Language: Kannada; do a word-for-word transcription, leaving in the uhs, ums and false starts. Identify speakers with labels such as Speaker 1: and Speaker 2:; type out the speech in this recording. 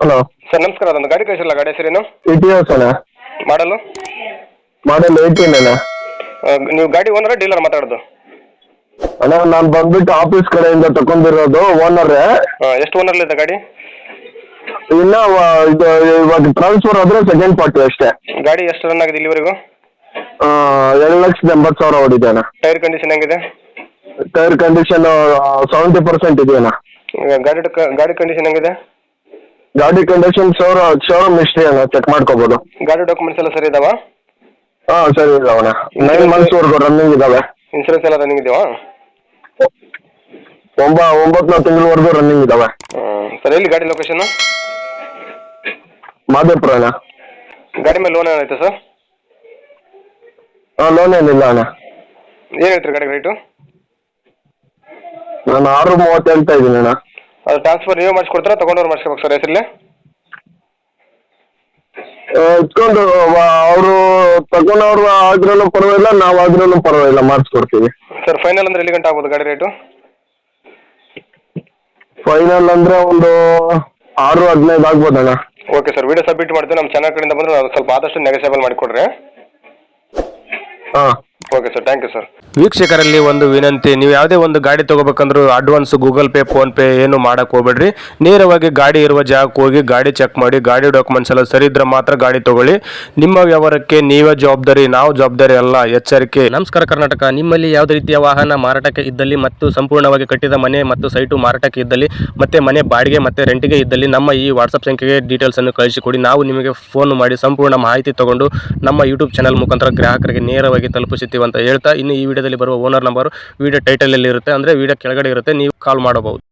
Speaker 1: ಹಲೋ
Speaker 2: ಸರ್ ನಮಸ್ಕಾರ, ಅದೊಂದು ಗಾಡಿ ಕಳಿಸಿಲ್ಲ, ಗಾಡಿ ಹೆಸರೇನು?
Speaker 1: ಇಟಿಯೋಸ್ ಅಣ್ಣ.
Speaker 2: ಮಾಡಲು
Speaker 1: ಮಾಡಲ್ ಏಯ್ಟೀನ್ ಅಣ್ಣ.
Speaker 2: ನೀವು ಗಾಡಿ ಓನರ ಡೀಲರ್ ಮಾತಾಡೋದು?
Speaker 1: ಅಣ್ಣ ನಾನು ಬಂದ್ಬಿಟ್ಟು ಆಫೀಸ್ ಕಡೆಯಿಂದ ತಗೊಂಡಿರೋದು, ಓನರೇ.
Speaker 2: ಎಷ್ಟು ಓನರ್ಲಿದೆ ಗಾಡಿ?
Speaker 1: ಇನ್ನ ವ- ಇದು ಇವಾಗ ಟ್ರಾನ್ಸ್ಫರ್ ಆದ್ರೆ ಸೆಕೆಂಡ್ ಪಾರ್ಟಿ ಅಷ್ಟೇ.
Speaker 2: ಗಾಡಿ ಎಷ್ಟು ರನ್ ಆಗಿದೆ ಇಲ್ಲಿವರೆಗೂ?
Speaker 1: ಆ, ಎರಡು ಲಕ್ಷದ ಎಂಬತ್ತು ಸಾವಿರ ಹೊಡಿದೆ ಅಣ್ಣ.
Speaker 2: ಟೈರ್ ಕಂಡೀಷನ್ ಹೆಂಗಿದೆ?
Speaker 1: ಟೈರ್ ಕಂಡೀಷನ್ ಸೆವೆಂಟಿ ಪರ್ಸೆಂಟ್ ಇದೆಯಣ್ಣ.
Speaker 2: ಈಗ ಗಾಡಿ ಡಕ್- ಗಾಡಿ ಕಂಡೀಷನ್ ಹೆಂಗಿದೆ?
Speaker 1: ಗಾಡಿ ಕಂಡೀಷನ್ ಶೋರ ಶೋರೂಮ್ ಹಿಸ್ಟ್ರಿ ಅಣ್ಣ, ಚೆಕ್ ಮಾಡ್ಕೋಬೋದು.
Speaker 2: ಗಾಡಿ ಡಾಕ್ಯುಮೆಂಟ್ಸ್ ಎಲ್ಲ ಸರಿ ಇದಾವ?
Speaker 1: ಹಾಂ ಸರಿ ಇದಾವಣ್ಣ, ನೈನ್ ಮಂತ್ಸ್ವರೆಗೂ ರನ್ನಿಂಗ್ ಇದಾವೆ.
Speaker 2: ಇನ್ಸೂರೆನ್ಸ್ ಎಲ್ಲ ರನ್ನಿಂಗ್ ಇದೆಯಾ?
Speaker 1: ಒಂಬ ಒಂಬತ್ತು ತಿಂಗಳವರೆಗೂ ರನ್ನಿಂಗ್ ಇದಾವೆ.
Speaker 2: ಸರ್ ಎಲ್ಲಿ ಗಾಡಿ ಲೊಕೇಶನ್?
Speaker 1: ಮಾದೇಪುರ ಅಣ್ಣ.
Speaker 2: ಗಾಡಿ ಮೇಲೆ ಲೋನ್ ಏನೈತೆ ಸರ್?
Speaker 1: ಹಾಂ, ಲೋನ್ ಏನಿಲ್ಲ ಅಣ್ಣ.
Speaker 2: ಏನು ಹೇಳ್ತೀರಿ ಗಾಡಿ ರೇಟು?
Speaker 1: ನಾನು ಆರು ಮೂವತ್ತು ಹೇಳ್ತಾ ಇದ್ದೀನಿ ಅಣ್ಣ.
Speaker 2: ಅದು ಟ್ರಾನ್ಸ್ಫರ್ ನೀವೇ ಮಾಡಿಸ್ಕೊಡ್ತಾರಾ, ತೊಗೊಂಡವ್ರು ಮಾಡಿಸ್ಕೋಬೇಕು ಸರ್ ಹೆಸರಲ್ಲಿ?
Speaker 1: ಇಟ್ಕೊಂಡು ಅವರು ತಗೊಂಡವ್ರು ಆದ್ರೂ ಪರವಾಗಿಲ್ಲ, ನಾವಾದ್ರೂ ಪರವಾಗಿಲ್ಲ, ಮಾಡಿಸ್ಕೊಡ್ತೀವಿ.
Speaker 2: ಸರ್ ಫೈನಲ್ ಅಂದ್ರೆ ಎಲ್ಲಿ ಗಂಟೆ ಆಗ್ಬೋದು ಗಾಡಿ ರೇಟು?
Speaker 1: ಫೈನಲ್ ಅಂದ್ರೆ ಒಂದು ಆರು ಹದಿನೈದು ಆಗ್ಬೋದಣ್ಣ.
Speaker 2: ಓಕೆ ಸರ್, ವಿಡಿಯೋ ಸಬ್ಮಿಟ್ ಮಾಡ್ತೀವಿ. ನಮ್ಮ ಚಾನಲ್ ಕಡೆಯಿಂದ ಬಂದರೆ ನಾವು ಸ್ವಲ್ಪ ಆದಷ್ಟು ನೆಗೋಸಿಯಬಲ್ ಮಾಡಿಕೊಡ್ರಿ.
Speaker 1: ಹಾಂ
Speaker 2: okay sir, thank you sir.
Speaker 3: ವೀಕ್ಷಕರಲ್ಲಿ ಒಂದು ವಿನಂತಿ, ನೀವು ಯಾವುದೇ ಒಂದು ಗಾಡಿ ತೊಗೋಬೇಕಂದ್ರೂ advance Google Pay PhonePe ಏನು ಮಾಡಕ್ಕೆ ಹೋಗ್ಬೇಡ್ರಿ. ನೇರವಾಗಿ ಗಾಡಿ ಇರುವ ಜಾಗಕ್ಕೆ ಹೋಗಿ ಗಾಡಿ ಚೆಕ್ ಮಾಡಿ, ಗಾಡಿ ಡಾಕ್ಯುಮೆಂಟ್ಸ್ ಎಲ್ಲ ಸರಿ ಇದ್ರೆ ಮಾತ್ರ ಗಾಡಿ ತಗೊಳ್ಳಿ. ನಿಮ್ಮ ವ್ಯವಹಾರಕ್ಕೆ ನೀವೇ ಜವಾಬ್ದಾರಿ, ನಾವು ಜವಾಬ್ದಾರಿ ಅಲ್ಲ, ಎಚ್ಚರಿಕೆ. ನಮಸ್ಕಾರ ಕರ್ನಾಟಕ. ನಿಮ್ಮಲ್ಲಿ ಯಾವುದೇ ರೀತಿಯ ವಾಹನ ಮಾರಾಟಕ್ಕೆ ಇದ್ದಲ್ಲಿ ಮತ್ತು ಸಂಪೂರ್ಣವಾಗಿ ಕಟ್ಟಿದ ಮನೆ ಮತ್ತು ಸೈಟು ಮಾರಾಟಕ್ಕೆ ಇದ್ದಲ್ಲಿ ಮತ್ತೆ ಮನೆ ಬಾಡಿಗೆ ಮತ್ತು ರೆಂಟಿಗೆ ಇದ್ದಲ್ಲಿ ನಮ್ಮ ಈ ವಾಟ್ಸಪ್ ಸಂಖ್ಯೆಗೆ ಡೀಟೇಲ್ಸನ್ನು ಕಳಿಸಿಕೊಡಿ. ನಾವು ನಿಮಗೆ ಫೋನ್ ಮಾಡಿ ಸಂಪೂರ್ಣ ಮಾಹಿತಿ ತಗೊಂಡು ನಮ್ಮ ಯೂಟ್ಯೂಬ್ ಚಾನಲ್ ಮುಖಾಂತರ ಗ್ರಾಹಕರಿಗೆ ನೇರವಾಗಿ ತಲುಪಿಸುತ್ತೀವಿ ಅಂತ ಹೇಳ್ತಾ, ಇನ್ನು ಈ ವಿಡಿಯೋದಲ್ಲಿ ಬರುವ ಓನರ್ ನಂಬರ್ ವಿಡಿಯೋ ಟೈಟಲಲ್ಲಿ ಇರುತ್ತೆ, ಅಂದರೆ ವಿಡಿಯೋ ಕೆಳಗಡೆ ಇರುತ್ತೆ, ನೀವು ಕಾಲ್ ಮಾಡಬಹುದು.